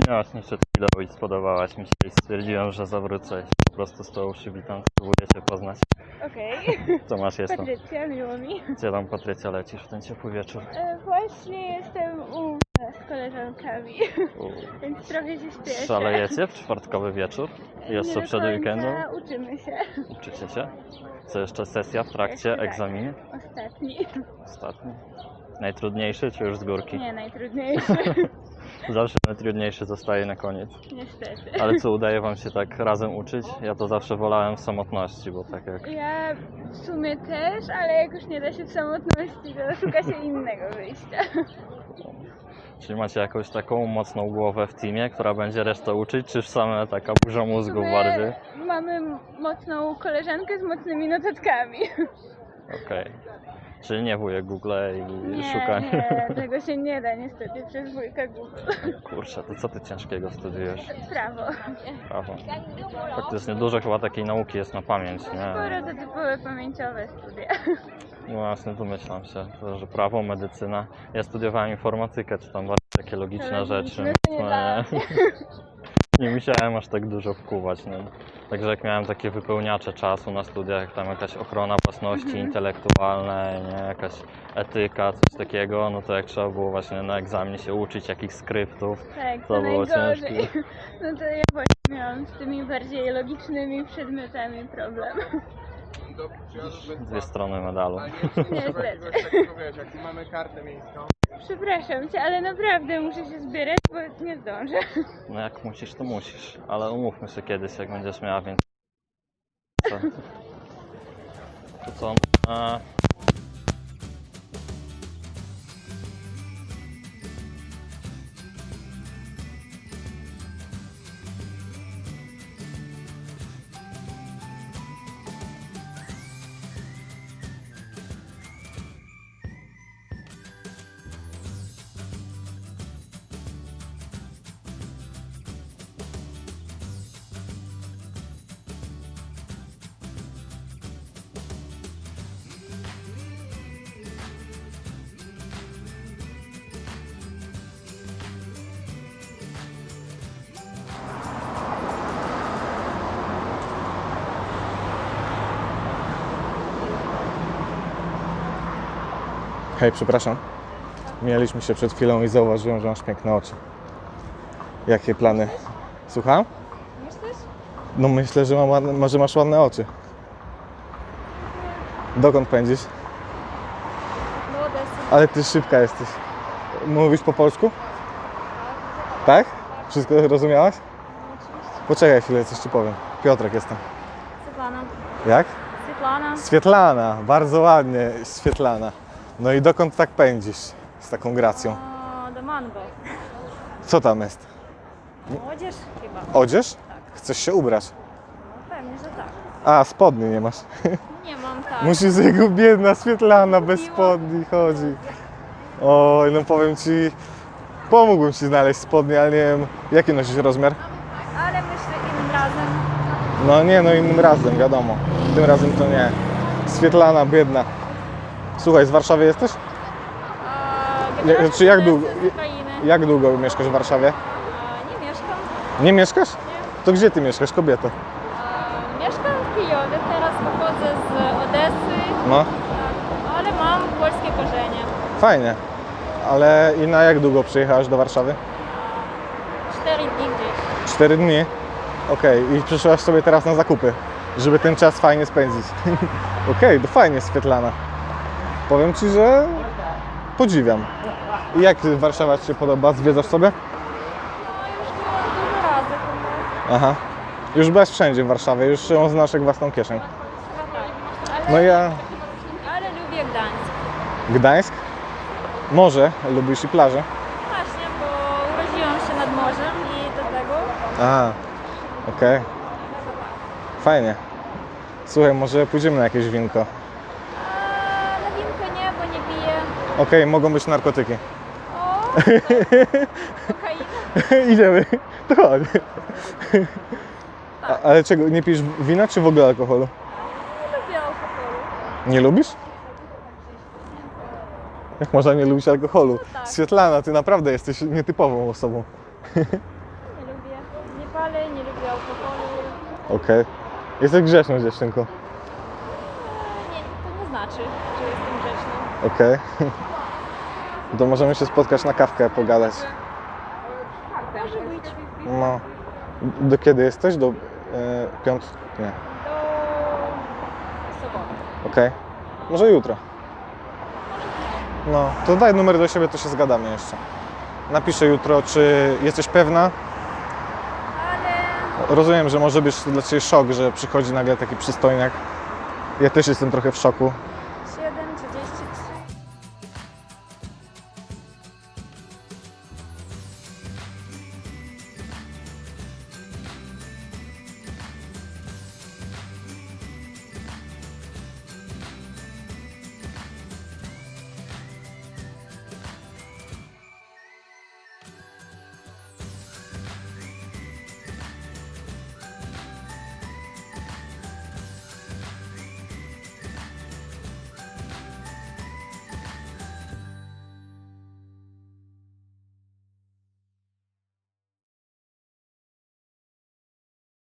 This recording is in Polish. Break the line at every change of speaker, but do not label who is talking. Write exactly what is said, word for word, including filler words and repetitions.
Właśnie przed chwilą i spodobałaś mi się i stwierdziłem, że zawrócę i po prostu z tą przybitą spróbuję Cię poznać.
Okej.
Co masz jestem?
Patrycja, miło mi.
Gdzie tam, Patrycja, lecisz w ten ciepły wieczór?
E, właśnie jestem u z koleżankami,
U,
więc trochę się śpieszę.
Szalejecie w czwartkowy wieczór? Jeszcze
Nie do
przed
końca,
weekendem?
Uczymy się.
Uczycie się? Co jeszcze sesja w trakcie?
Jeszcze tak.
Egzamin?
Ostatni.
Ostatni? Najtrudniejszy czy już z górki?
Nie, najtrudniejszy.
Zawsze najtrudniejszy zostaje na koniec.
Niestety.
Ale co, udaje Wam się tak razem uczyć? Ja to zawsze wolałem w samotności, bo tak jak...
Ja w sumie też, ale jak już nie da się w samotności, to szuka się innego wyjścia.
Czyli macie jakąś taką mocną głowę w teamie, która będzie resztę uczyć, czy same taka burza
W
mózgów
sumie
bardziej?
mamy mocną koleżankę z mocnymi notatkami.
Okej. Czyli nie wujek Google i
Nie,
szukanie.
nie, tego się nie da niestety przez wujka Google.
Kurczę, to co ty ciężkiego studiujesz?
Prawo.
Prawo. Faktycznie dużo chyba takiej nauki jest na pamięć, nie?
Sporo to typowe pamięciowe studia.
No właśnie, domyślam się, to, że prawo, medycyna. Ja studiowałem informatykę, czy tam bardziej takie logiczne
To
rzeczy.
logiczne to nie dla
Nie, nie musiałem aż tak dużo wkuwać, nie? Także jak miałem takie wypełniacze czasu na studiach, jak tam jakaś ochrona własności
Mhm.
intelektualnej, nie? Jakaś etyka, coś takiego, no to jak trzeba było właśnie na egzaminie się uczyć jakichś skryptów,
Tak,
to
to
było
najgorzej.
ciężkie.
No to ja właśnie miałam z tymi bardziej logicznymi przedmiotami problem.
Dwie strony medalu.
Niestety.
Jak mamy kartę miejską.
Przepraszam cię, ale naprawdę muszę się zbierać, bo nie zdążę.
No jak musisz, to musisz, ale umówmy się kiedyś, jak będziesz miała więcej. Co? To co? A...
Hej, przepraszam. Mijaliśmy się przed chwilą i zauważyłem, że masz piękne oczy. Jakie plany? Słucham?
Myślisz?
No myślę, że, mam ładne, może masz ładne oczy. Dokąd pędzisz?
Do Odessy.
Ale ty szybka jesteś. Mówisz po polsku? Tak? Wszystko rozumiałaś?
Oczywiście.
Poczekaj chwilę, coś ci powiem. Piotrek jestem.
Svetlana.
Jak?
Svetlana.
Swietlana, bardzo ładnie, Swietlana. No i dokąd tak pędzisz z taką gracją?
O, do Mango.
Co tam jest?
Odzież chyba.
Odzież? Chcesz się ubrać?
No pewnie, że tak.
A, spodni nie masz.
Nie mam tak.
Musisz jego biedna Swietlana bez
Kupiłam.
spodni chodzi. Oj, no powiem ci, pomógłbym ci znaleźć spodnie, ale nie wiem, jaki nosisz rozmiar?
Ale myślę innym razem.
No nie, no innym razem, wiadomo. Tym razem to nie. Swietlana, biedna. Słuchaj, z Warszawy jesteś?
A,
Nie,
generalnie
czy jak
to
długo-
jestem z Ukrainy.
Jak długo mieszkasz w Warszawie?
A, nie mieszkam.
Nie mieszkasz? To gdzie ty mieszkasz, kobieto?
A, mieszkam w Kijowie, teraz pochodzę z Odessy,
No,
ale mam polskie korzenie.
fajnie. Ale i na jak długo przyjechałaś do Warszawy?
Cztery dni gdzieś.
Cztery dni? Okej, i przyszłaś sobie teraz na zakupy, żeby ten czas fajnie spędzić. Okej, to fajnie, Swietlana. Powiem ci, że podziwiam. I jak Warszawa ci się podoba? Zwiedzasz sobie?
No już byłam dużo razy chyba.
Aha. Już byłaś wszędzie w Warszawie, już ją znasz jak własną kieszeń.
Ale,
No ja...
ale lubię Gdańsk.
Gdańsk? Morze, lubisz i plażę?
Właśnie, bo urodziłam się nad morzem i do tego.
A, okej. Fajnie. Słuchaj, może pójdziemy na jakieś winko.
A na winko nie, bo nie piję.
Okej, mogą być narkotyki.
O, to kokaina.
Idziemy. To chodź. A, ale czego, nie pijesz wina czy w ogóle alkoholu?
Nie lubię alkoholu.
Nie lubisz? Jak można nie lubić alkoholu?
tak.
Swietlana, ty naprawdę jesteś nietypową osobą.
ale nie lubię alkoholu.
Okej. Jesteś grzeczną dziewczynką.
E, Nie, to nie znaczy, że jestem grzeczna.
Okej. To możemy się spotkać na kawkę, pogadać.
Może być
No. Do kiedy jesteś? Do e, piąt... Nie.
do soboty.
Okej. Może jutro. No, to daj numer do siebie, to się zgadamy jeszcze. Napiszę jutro, czy jesteś pewna.
Ale
Rozumiem, że może być dla Ciebie szok, że przychodzi nagle taki przystojniak. Ja też jestem trochę w szoku.